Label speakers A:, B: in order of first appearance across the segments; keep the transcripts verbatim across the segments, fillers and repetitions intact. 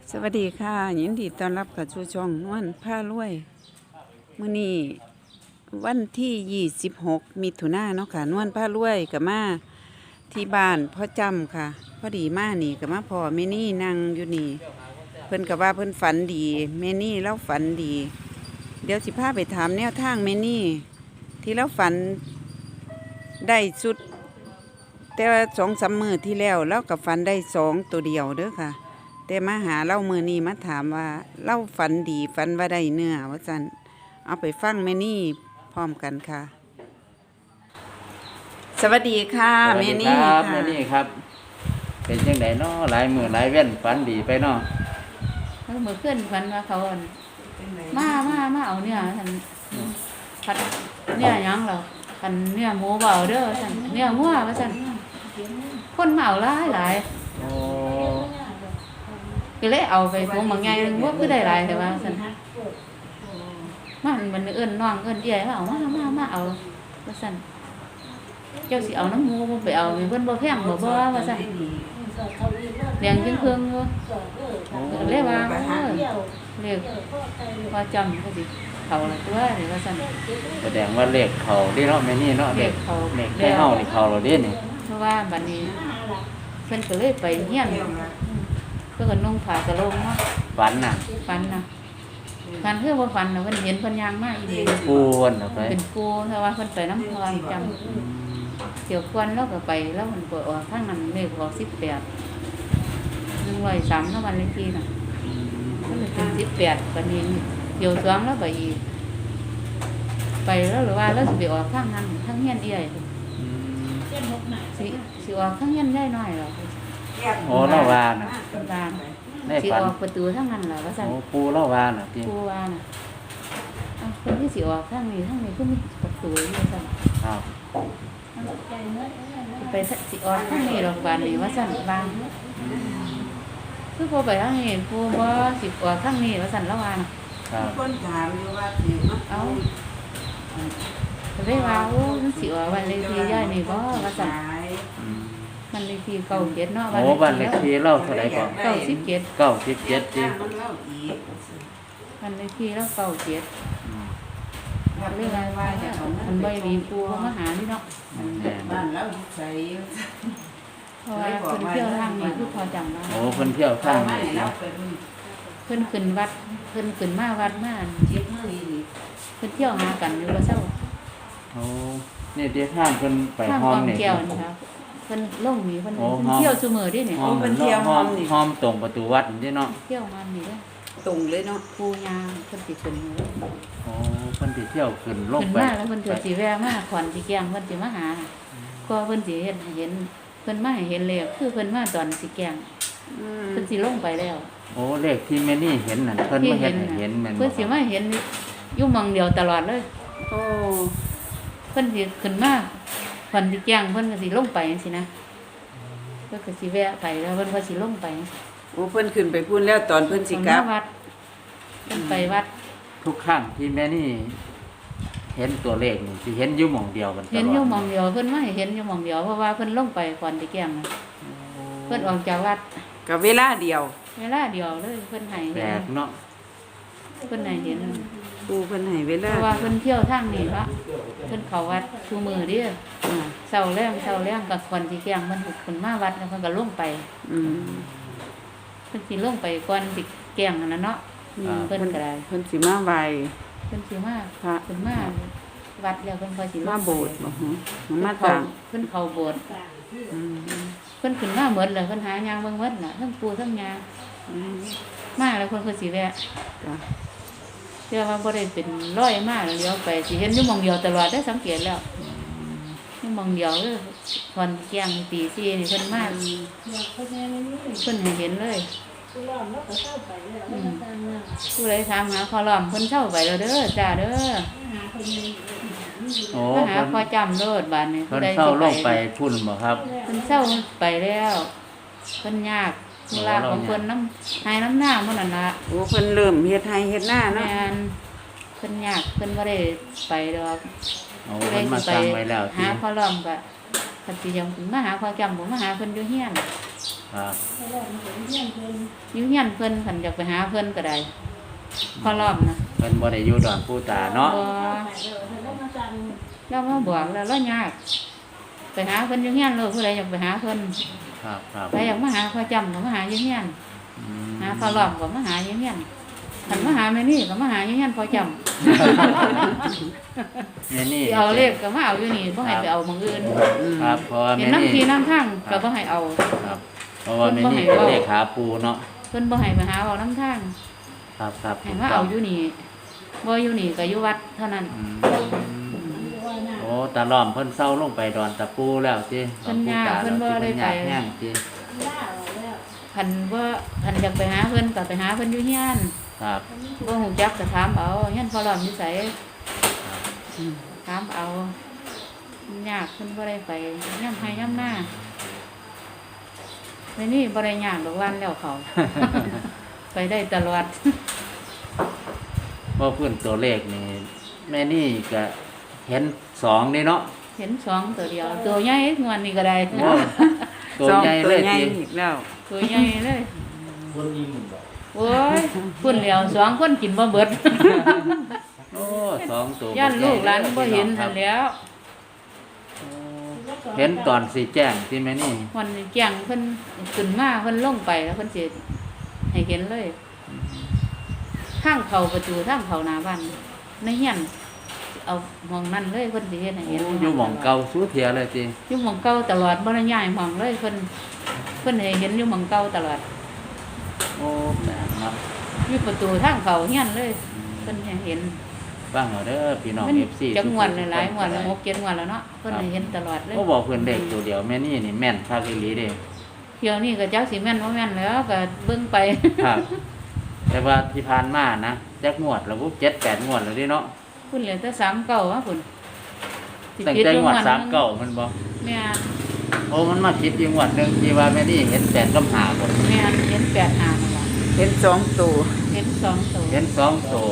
A: สวัสดีค่ะยินดีต้อนรับกับชูช่องนวลผ้ารวยมื้อนี้วันที่ยี่สิบหกมิถุนายนเนาะค่ะนวลผ้ารวยกับมาที่บ้านพ่อจำค่ะพอดีมานี่กับมาพ่อแม่นี่นั่งอยู่นี่เพิ่นกับว่าเพิ่นฝันดีแม่นี่เล่าฝันดี เดี๋ยวสิพาไปถามแนวทางแม่นี่ที่เราฝันได้สุด แต่ว่าสองสามมือที่แล้วเรากับฝันได้สองตัวเดียวเด้อค่ะแต่มาหาเล่ามือนี้มาถามว่าเล่าฝันดีฝันว่าได้เนื้อว่าจันเอาไปฟังแม่นี่พร้อมกันค่ะ สวัสดีค่ะแม่นี่ค่ะ
B: แม่นี่ครับเป็นจังไดเนาะหลายมือหลายเว้นฝันดีไปเนาะ
C: เมื่อขึ้นฝันว่าเขาอั่นมามามาเอาเนี่ยท่านพัดเนี่ยหยังเหรอท่านเนี่ยหมูเบาเด้อท่านเนี่ยงัวว่าท่านคนมาเอาหลายหลาย
B: โอ้
C: ก็เลยเอาไปถุงบางไงนึงว่าคือได้หลายแต่ว่าท่านมันมันเอิ้นน้องเอิ้นเอี้ยมาเอามามามาเอาว่าท่านเจ้าสิเอาน้ำหมูบ่ไปเอาเพิ่นบ่แพงบ่บ่ว่าท่านเลี้ยงจังเพิ่งอยู่เลยว่าเออเรียกพอจำก็สิเขาละตัวนี่ว่าซั่น
B: แสดงว่าเลขเขาที่เนาะแม่นี่เนาะเลขเขาเลขได้เฮานี่เขาเราเด้นี่
C: เพราะว่าบัดนี้เพิ่นก็เลยไปเฮียนเพิ่นก็นุ่งผ้ากะโลงเนาะ
B: ฝันน่ะ
C: ฝันน่ะฝันคือบ่ฝันน่ะเพิ่นเห็นเพิ่นย่างมาอีหลี
B: ปูวนเอาไป
C: เป็นปูแต่ว่าเพิ่นไปน้ำพรจำเกี่ยวควนแล้วก็ไปแล้วมันเปิดออกทางนั้นเลขออกสิบแปด หนึ่งร้อยสามเท่าวันเลขที่น่ะก็เลยเป็นสิบแปดบัดนี้เดี๋ยวสวงแล้วไปอีกไปแล้วหรือว่าแล้วสิไปออกทางนั้นทางเฮียนเอี้ยสิสิออกทางเฮียนได้น้อยหรอ
B: โอ้เล่าว่าน่ะ
C: เป็นบ้าน
B: ใน
C: สิ
B: ฝัน
C: ออกประตูทางนั้นเหรอว่าซั่น
B: โอ้ปูเล่าว่าน่ะติ
C: ปูว่าน่ะอ้าวคนที่สิออกทางนี้ทางนี้ก็มีประตูอยู่ว่าซั่น
B: ครับ
C: ไปสิออกทางนี้หรอกบ้านนี้ว่าซั่นบางคือพอไปทางนี้ปูบ่สิออกทางนี้ว่าซั่นแล้วว่าน่ะ
B: ครับ
A: คนถามอยู่ว่าสิมา
C: เอาได้ว่าโอ้มันสิว่าวันเลขที่ย่ายนี่บ่ว่าซั่น
B: อืม
C: มันเลขที่เก้าเจ็ดเนาะ
B: โอ้บ้านเลขที่เล่าเท่าไหร่ก่อน
C: เก้าสิบเจ็ด
B: เก้าสิบเจ็ดติ
A: มันเล่าอีก
C: มันเลขที่แล้วเก้าเจ็ด
B: อืม
A: เรื่องอะไรว่าจะของ
C: มันใบมีปูมาหานี่เนาะ
B: แม่น
A: บ้านแล้วใส่
C: เพราะว่าเพิ่นเที่ยวทางนี้คือพอจำได้
B: โอ้เพิ่นเที่ยวทางนี้
A: แล้
B: เนาะ
A: วไปรุ่น
C: เพิ่นขึ้นวัดเพิ่นขึ้นมาวัดมา
A: เจ็บมืออีก
C: เพิ่นเที่ยวหากันอยู่ว่าเศร้า
B: โอ้นี่เดี๋ยวทางเพิ่นไป
C: ทาง
B: ห้อก ง
C: อง
B: นี่
C: แก้วนี่ครับเพิ่นลงนี่เพิ่น
B: โอ้
C: เพิ่น
B: ห้อง
C: เที่ยวซุมื้อดิเนี่ย
B: ห้องมันเที่ยวห้องห้องตรงประตูวัดนี่เนาะ
C: เที่ยวมานี่เด้อ
A: ตรงเลยเนาะ
C: ปูยาเพิ่นสิขึ้นอยู่
B: โอ้เพิ่นสิเที่ยวขึ้นลง
C: ขึ้น
B: ไป
C: มาแล้วเพิ่นก็สิแวะมาขวัญสิแกงเพิ่นสิมาหาก็เพิ่นสิเฮ็ดให้เห็นเพิ่นมาให้เห็นแล้วคือเพิ่นมาตอนสิแกง
A: อืม
C: เพิ่นสิลงไปแล้ว
B: โอ้เลขที่แม่นี่เห็นนั่นเพิ่นมาเฮ็ดให้เห็นแม่นบ่
C: เพิ่นสิมาเห็นอยู่หม่องเดียวตลอดเลย
A: โอ้
C: เพิ่นสิขึ้นมาเพิ่นสิแกงเพิ่นก็สิลงไปจังซี่นะเพิ่นก็สิแวะไปแล้วเพิ่นก็สิลงไป
A: โอ้เพิ่นขึ้นไปพูนแล้วตอนเพิ่นสิกลับ
C: เพิ่นมาวัดเพิ่นไปวัด
B: ทุกครั้งที่แม่นี่เห็นตัวเลขนี่สิเห็นอยู่หม่องเดียวกันตลอด
C: เห็นอยู่หม่องเดียวเพิ่นมาให้เห็นอยู่หม่องเดียวเพราะว่าเพิ่นลงไปก่อนสิแกงน่ะเพิ่นออกจากวัด
A: กับเวลาเดียว
C: เวลาเดียวเลยเพิ่นให้
B: แปล
C: เห็น
B: กเนาะ
C: เพิ่นให้เห็น
A: ปูเพิ่นให้เว
C: เพ
A: ลา
C: ราะว่าเพิ่นเที่ยวทางนี้ละเพิ่นเข้าวัดทุกมื้อเด้ออ่าเช้าแลงเช้าแลงก็ก่อนสิแกงเพิ่นเพิ่นมาวัดแล้วเพิ่นก็ลงไป
A: อืม
C: เพิ่นสิลงไปก่อนสิแกงนั่นน่ะเนาะ
B: อ่า
C: เพิ่นก็ได้
A: เพิ่นสิมาไหว
C: เพิ่นสิมา
A: พระ
C: เพิ่นมาวัดแล้วเพิ่นค่อยสิลง
A: มาโบสถ์บ่ฮะมา
C: เพิ่นเข้า
A: ต่าง
C: เพิ่นเข้าโบสถ์
A: อืม
C: เพิ่นขึ้นมาหมดเลยเพิ่นหายางเบิ่งหมดน่ะทั้งปู่ทั้งยา
A: อืม
C: มาแล้วเพิ่นก็สิแวะ
A: จ้ะ
C: เชื่อว่าบ่ได้เป็นร้อยมาแล้วเลี้ยวไปสิเห็นอยู่หม่องเดียวตลอดได้อสังเกตแล้วอยู่หม่องเดียวเลยตอนแกงตีสี่นี่เพิ่นมาเพิ่นให้เห็นเลยอืมผู้ใดถามหาขอล้อมเพิ่นเช่าไปแล้วเด้อจ้าเด้อ
B: โอ้
C: มาหา
B: เพิ่น
C: พอจำโลดบาดนี้
B: เพิ่นเข้าลงไปพุ่นบ่ครับ
C: เพิ่นเช่าไปแล้วเพิ่นยากเวลาของเพิ่นน้ำหายน้ำหน้ามันนั่นล่ะ
A: โอ้เพิ่นเริ่มเฮ็ดให้เฮ็ดหน้า
C: แม่
A: เนาะ
C: นเพิ่นยากเพิ่นบ่ได้ไปดอก
B: โอ้เพิ่นมาตั้งไว้แล้ว
C: หา
B: ที่
C: พ่อล้อมก็คันสิยังมาหาพ่อจำบ่มาหาเพิ่นอยู่เฮียน
B: ครับ
C: อยู่เฮียนเพิ่นคันอยากไปหาเพิ่นก็ได้พอรอบนะ
B: เพิ่นบ่ได้อยู่ดอนผู้ตาเนาะ
C: บ่แล้วมาบอกแล้วแล้วยากไปหาเพิ่นอยู่เฮียนเลยผู้ใดอยากไปหาเพิ่น
B: ครับครับ
C: ใครอยากมาหาพ่อจำก็มาหาอยู่เฮียน
B: อืม
C: หาพอรอบก็มาหาอยู่เฮียนคันมาหาแม่นี่ก็มาหาอยู่เฮียนพ่อจำ
B: แม่นี่
C: สิเอาเลขก็มาเอาอยู่นี่บ่ให้ไปเอาหม้องอื่น
B: ครับเพราะว่า
C: เห็น
B: แม่
C: น้ำที
B: นี่
C: น้ำทางก็บ่ให้เอา
B: ครับเพราะว่าแม่นี่เป็นเลขาปูเนาะ
C: เพิ่นบ่ให้ไปหาเอาน้ำทาง
B: ครับครับ
C: ให้มาเอาอยู่นี่บ่อยู่นี่ก็อยู่วัดเท่านั้น
B: อืมโอ้ตาล้อมเพิ่นเศร้าลงไปดอนตะปูแล้วสิ
C: เพิ่นย่างเพิ่นบ่ได้ไป
B: แห้งสิ
C: คันว่าคันอยากไปหาเพิ่นก็ไปหาเพิ่นอยู่เฮียน
B: ครับ
C: บ่ฮู้จักก็ถามเอาเฮียนพอรอมอยู่ไส
B: ครับ
C: ถามเอายากเพิ่นบ่ได้ไปย่ำให้ย่ำหน้าในนี่บ่ได้ยากดอกวันแล้วเขา ไปได้ตลอด
B: ว่าพื้นตัวเลขนี่แม่นี่ก็เห็นสองนี่เนาะ
C: เห็นสองตัวเดียว ตัวใหญ่งวนนี่ก็ได้
B: โอ้ตัว
A: สอง
B: ใหญ่
A: ตั
B: เล
A: วย ใหญ่
B: สิ
A: อีกแล้ว
C: ตัวใหญ่เลยโอ้ยพุ่นแล้วสองคนกินบ่เบิด
B: โอ้สองตัว
C: ย่านลูกหลานบ่เห็น
B: ครั
C: นั่
B: บ
C: นแหล้ว
B: เห็นตอนสีแจ้งที่แม่นี่
C: วันนี้แจ้งเพิ่นขึ้นมาเพิ่นลงไปแล้วเพิ่นสิให้เห็นเลยทางเข้าประตูทางเข้าหน้าบ้านในเฮียนเอาหม้องนั้นเลยเพิ่นสิเฮ็ดให้เห็น
B: โอ้อยู่หม่องเก่าสู้เทียเลยสิ
C: อยู่หม้องเก่าตลอดบ่ได้ย้ายหม้องเลยเพิ่นเพิ่นให้เห็นอยู่หม้องเก่าตลอด
B: โอ้แปลกเนาะ
C: อยู่ประตูทางเข้าเฮียนเลยเพิ่นให้เห็น
B: บ้างเหรอเด้อพี่น้อง
C: มัน
B: เอฟซี
C: จักงวดหลายๆงวดแล้วหกเจ็ดงวดแล้วเนาะเพิ่นให้เห็นตลอดเลย
B: ก็บอกเพื่อนเด็กตัวเดียวแม่นี่นี่แม่นภาคอีหลีเด้
C: เที่ยวนี้ก็จักสิแม่นบ่แม่นแล้วก็เบิ่งไป
B: ครับ แต่ว่าที่ผ่านมานะจักงวดแล้วปุ๊บเจ็ดแปดงวดแล้วดิเนาะ
C: พุ่นเหลือแต่สามเก้าอ่ะพุ่นสิ
B: ตั้ง
C: ผิด
B: แต่
C: อยู่
B: งวด
C: หนึ่
B: สามเก้ามันบอก
C: แม่น
B: โอ้มันมาคิดอีกงวดหนึ่งที่ว่าแม่นี่เห็นแปดกำหาบน
C: แม่นเห็นแปดหานั่นล่ะ
A: เห็นสองตัว
C: เห็นสองตัว
B: เห็นสองตัว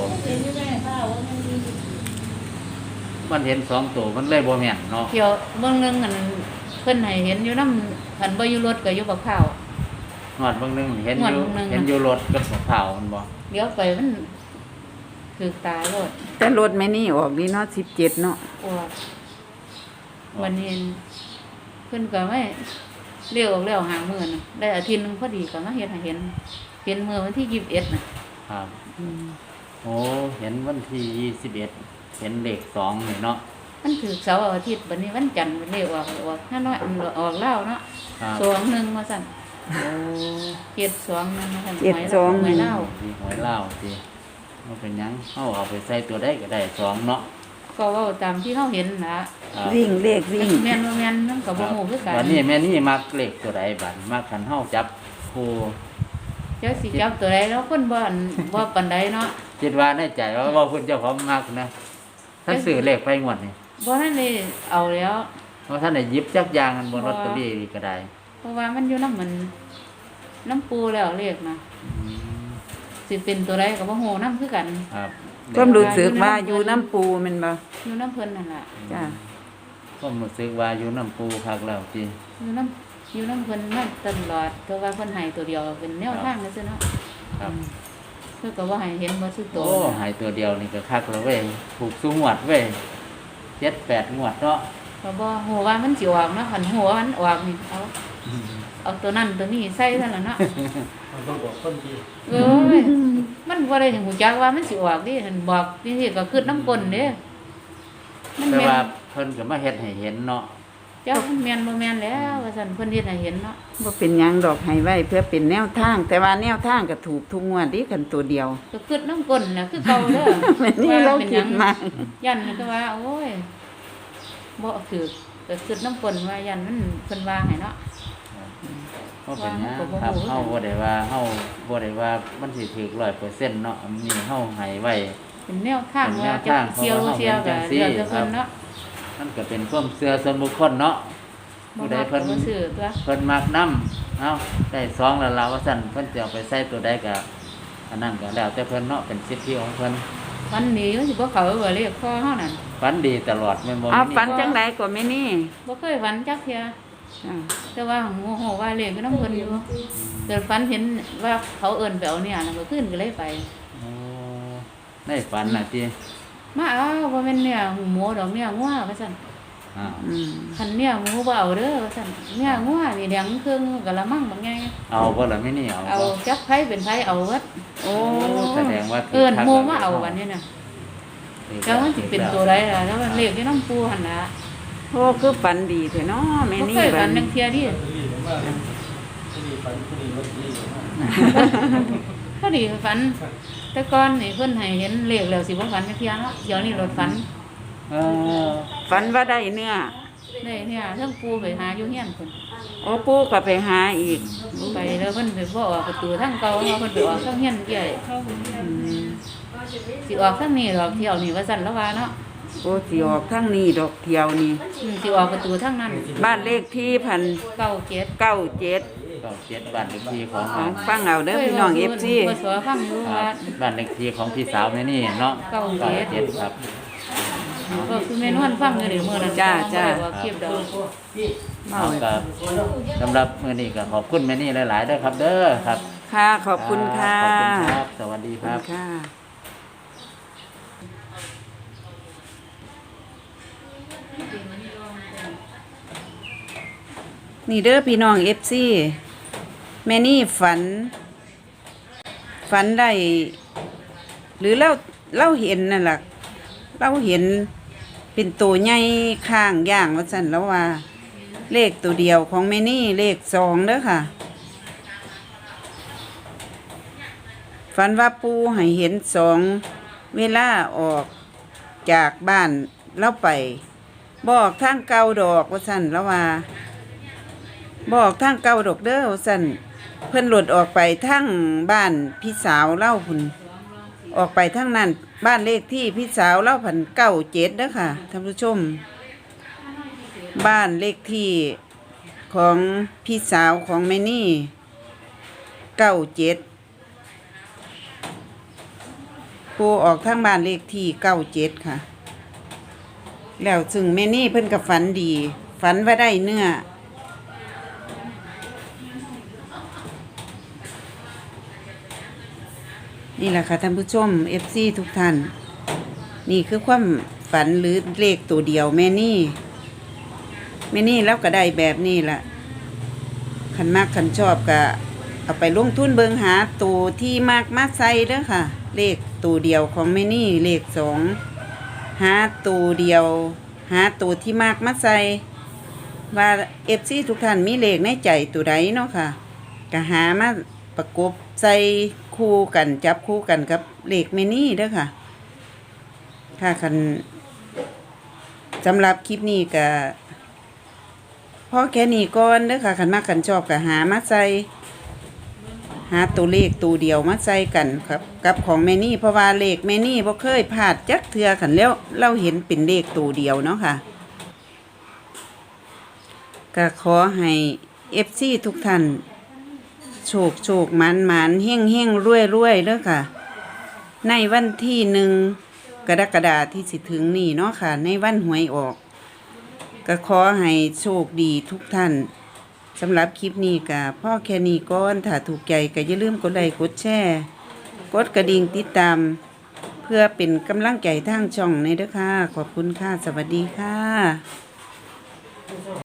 B: มันเห็นสองตัวมันเลยบ่แม่นเนาะ
C: เที่ยวเบิ่งหนึงอันเพิ่นให้เห็นอยู่นำคันบ่อยู่รถก็อยู่บักข้าว
B: งวดเบางหนึงเห็น
C: ง
B: อ
C: วด
B: ยู่
C: เบิ่งหนึ่ง
B: เห็นอยู่รถกับมะพร้าวมันบอก
C: เดี๋ยวไปมันคือตายรถ
A: แต่รถแม่นี่ออกดีเนาะสิบเจ็ดเนาะ
C: อวดวันนี้เพิ่นก็ไม่เรียกออกแล้วหามื้อน่ะได้อาทิตย์หนึงพอดีก็มาเฮ็ดให้เห็นเห็นมื้อวันที่ยี่สิบเอ็ดน่ะ
B: ครับโอ้เห็นวันที่ยี่สิบเอ็ดเห็นเลขสองนี่เนาะ
C: มันถือเสาร์อาทิตย์บัดนี้วันจันทร์มันเรียกออกออกห้าน้อยอันออกแล้วเนาะ
B: ครับ
C: สองหนึ่งมาสั่น
B: โอ้
C: เจ็ดสองนั่นมาสั่น
A: เจ็ดสอง
C: หวยเล่า
B: มีหวยเล่าวสิมันเป็นหยังเอาเอาไปใส่ตัวได้ก็ได้สองเนาะ
C: ก็เว่าตามที่เขาเห็นนะ
B: ครับ
A: วิ่งเลขวิ่ง
C: แม่นบ่แม่นนั่นกับบ่ฮู้คือกัน
B: วันนี้แม่นี่มักเลขตัวใดบัดมักขันเฮาจับครู
C: เจ้าสิจับตัวใดแล้วคนบ่อันบ่ปานใดเนาะ
B: คิดว่าในใจว่าว่าเพิ่นเจ้าของมักนะท่านซื้อเลขไปงวดนี่
C: บ่ทันได้เอาแล้ว
B: เพราะท่านได้หยิบจักอยางกันบนลอตเตอรี่ก็ได้
C: เพราะว่ามันอยู่นำมันน้ำปูแล้วเลขนะ
B: อืม
C: สิเป็นตัวใดก็บ่ฮู้นำคือกัน
B: ครับ
A: ความรู้สึกว่าอยู่น้ำปูแมันบ่
C: อยู่น้ำเพิ่นนั่นล่ะ
A: จ้ะ
B: ความรู้สึกว่าอยู่น้ำปูคักแล้วสิ
C: อยู่น้ำอยู่น้ำเพิ่นมาตลอดเพราะว่าเพิ่นให้ตัวเดียวเป็นแนวทางซื่อๆเนาะ
B: ครับ
C: เพิ่นก็ว่าให้เห็นบ่ซื่อโต
B: โอ้หายตัวเดียวนี่ก็คักแล้วเว้ยถูกสู้งวดเว้ยเจ็ดแปดงวดเนาะ
C: ก็บ่ฮู้ว่ามันสิออกเนาะคันฮู้ว่ามันออกนี่เอาเอาตัวนั้นตัวนี้ใส่ซั่นล่ะเนาะ
D: มันต้องบอกคนดี
C: เอ้ยมันบ่ได้ฮู้จักว่ามันสิออกดิหันบอกนี่สิก็คือน้ำกลนเด้มัน
B: แต่
C: แม่
B: ว่าน เพิ่นก็มาเฮ็ดให้เห็นเนาะ
C: เจ้ามันแม่นบ่แม่นแล้วว่าซั่นเพิ่นเฮ็ดให้เห็นเนาะ
A: บ่เป็นหยังดอกให้ไว้เพื่อเป็นแนวทาง แต่ว่าแนวทางก็ถูกทุกงวดดิกันตัวเดียว
C: ก็คือน้ำกลนน่ะคือเก่าเด้อ
A: แม่นี่เราคิดมา
C: ยันก็ว่าโอ้ยบ่คือก็คือน้ำกลนว่ายันมันเพิ่นว่าให้เนาะ
B: ก็เป็นหยัง
C: ว่า
B: ครับ
C: เขาก็บ่รู้
B: เฮาบ่ได้ว่าเฮาบ่ได้ว่ามันสิถูก ร้อยเปอร์เซ็นต์ เนาะอันนี้เฮาให้ไว้
C: เป็นแนวทาง
B: เป็นแน
C: ว่าว จะ
B: ทาง
C: เที่ยว
B: เพราะว่า
C: เที่ยว
B: เฮา
C: ก็
B: เห็นจังซี่
C: เดี๋ยวจะเพิ่นเนาะ
B: มันก็เป็นความเชื่อส่วนบุคคลเนาะ
C: บ่
B: ผู้ใด
C: มัก
B: เพิ่น
C: ก็บ่ซื้อตัว
B: เพิ่นมักนำเอ้าได้สองแล้วล่ะว่าซั่นเพิ่นจะเอาไปใส่ตัวใดก็อันนั้นก็แล้วแต่เพิ่นเนาะเป็นสิทธิของเพิ่น
C: วันนี้มันสิบ่เข้าบ่เรียกพ่อเฮานั่น
B: ฝันดีตลอดแม่นบ่
A: เอา
B: แม่
A: ฝัน
B: นี่
A: จังไดก็แม่นี่
C: บ่เคยฝันจักเที่ย
A: จ้ะ
C: แต่ว่าโมโหว่าเลขก็น้ำเพิ่นอยู่เกิดฝันเห็นว่าเขาเอิ้นไปเอาเนี่ยน่ะก็ขึ้นก็เลยไป
B: โอ้ในฝันน่ะติ
C: มาเอาบ่แม่นเนี่ยหูหมูดอกเนี่ยงัวว่าซั่น
B: อ้าว
A: อืม
C: คันเนี่ยหมูบ่เอาเด้อว่าซั่นเนี่ยงัวนี่แดงครึ่งกะละมังบางไง
B: เอาบ่ล่ะไม่นี่เอา
C: เอา
B: บ่
C: จักไผเป็นไผเอาเบิด
A: โอ้
B: แสดงว่า
C: เอิ้น
B: คัก
C: หมู่
B: แล้ว
C: มาเอาบัดนี้น่ะแล้วมันสิเป็นตัวใดล่ะแล้วมันเลขที่น้ำปูหั่นล่ะ
A: โอ้คือฝันดีแท้เนาะแม่
C: บ่
A: นี่
C: เคย
A: บั
C: ฝั
A: ด
C: นจังเที่ยดิ
D: รีบมากผู้ดีฝันผู้ดีรถดีมาก
C: พอดีฝัน แต่ก่อนนี่เพิ่นให้เห็นเลขแล้วสิบ่ฝันจังเที่ยเนาะเดี๋ยวนี้รถฝัน
B: เออ
A: ฝันว่าได้เนื้อ
C: ได้เนี่ยเรื่องปูไปหาอยู่เฮียนเพิ่น
A: โอ้ปู่ก็ไปหาอีก
C: ไปแล้วเพิ่นไปบ่ออกประตูทางเก่าเนาะเพิ่นไปออกทางเฮียนใหญ่
A: อืม
C: สิออกทางนี้ดอกเที่ยวนี่ว่าซั่นแล้วว่าเนาะ
A: โอ้สิออกทางนี้ดอกเที่ยวนี่
C: อืมสิออกประตูทางนั้น
A: บ้านเลขที่พัน
C: เก้าเจ็ด
A: เก้าเจ็ด
B: ก็เจ็ดบ้านเลขที่ของ
A: ของฟังเอาเด้อพี่น้องเอฟซี
C: บ่สอฟังอยู่
B: ค
C: ว่า
B: รับบ้านเลขที่ของพี่สาวแม่นี่เนาะ
C: เก้าเจ็ด
B: เจ็ดครับ
C: ก็คือแม่นวลฟังอยู่เดี๋ยวมื้อนั้น
A: จ้าจ้า
C: บ่ได้ว่าคลิปดอก
A: เมา
B: เอาครับสำหรับมื้อนี้ก็ขอบคุณแม่นี่หลายๆเด้อครับ เด้อครับ
A: ค่ะขอบคุณค่ะ
B: ขอบคุณครับ สวัสดี
A: ขอบ
B: ค
A: คุ
B: รับ
A: ณค่ะ นี่เด้อพี่น้องเอฟซีแม่นี่ฝัน ฝันได้ หรือเราเราเห็นนั่นแหละเราเห็นเป็นตัวใหญ่ข้างย่างว่าสั่นแล้วว่า เลขตัวเดียวของแม่นี่เลขสองเด้อค่ะ ฝันว่าปูให้เห็นสองเวลาออกจากบ้านเล่าไปบอกทางเก่าดอกว่าสั่นแล้วว่า บอกทางเก่าดอกเด้อว่าสั่นเพิ่นหลุดออกไปทางบ้านพี่สาวเล่าพุ่นออกไปทางนั้นบ้านเลขที่พี่สาวเล่าพันเก้าเจ็ดเด้อค่ะท่านผู้ชม บ้านเลขที่ของพี่สาวของแม่นี่เก้าเจ็ดปูออกทางบ้านเลขที่เก้าเจ็ดค่ะ แล้วซึ่งแม่นี่เพิ่นกับฝันดี ฝันว่าได้เนื้อ นี่แหละค่ะท่านผู้ชม เอฟ ซี ทุกท่าน นี่คือความฝันหรือเลขตัวเดียวแม่นี่แม่นี่แล้วก็ได้แบบนี้แหละขันมากขันชอบก็เอาไปลงทุนเบิงหาตัวที่มากมาใส่เด้อค่ะ เลขตัวเดียวของแม่นี่เลขสองหาตัวเดียว หาตัวที่มากมาใส่ว่าเอฟซีทุกท่านมีเลขในใจตัวใดเนาะค่ะก็หามาประกบใส่คู่กันจับคู่กันกับเลขแม่นี่เด้อค่ะ ค่ะคันสำหรับคลิปนี้ก็พอแค่นี้ก่อนเด้อค่ะคันมากกันชอบก็หามาใส่หาตัวเลขตัวเดียวมาใส่กันครับกับของแม่นี่เพราะว่าเลขแม่นี่บ่เคยพลาดจักเทือขันแล้วเราเห็นเป็นเลขตัวเดียวเนาะค่ะก็ขอให้ เอฟ ซี ทุกท่านโชคโชคหมันหมันเฮ่งเฮ่งรวยรวยเด้อค่ะ ในวันที่หนึ่งกรกฎาคมที่สิถึงนี่เนาะค่ะ ในวันหวยออก ก็ขอให้โชคดีทุกท่านสำหรับคลิปนี้ก็พ่อแค่นี้ก่อนถ้าถูกใจก็อย่าลืมกดไลค์กดแชร์กดกระดิ่งติดตาม เพื่อเป็นกำลังใจทางช่องในเด้อค่ะ ขอบคุณค่ะ สวัสดีค่ะ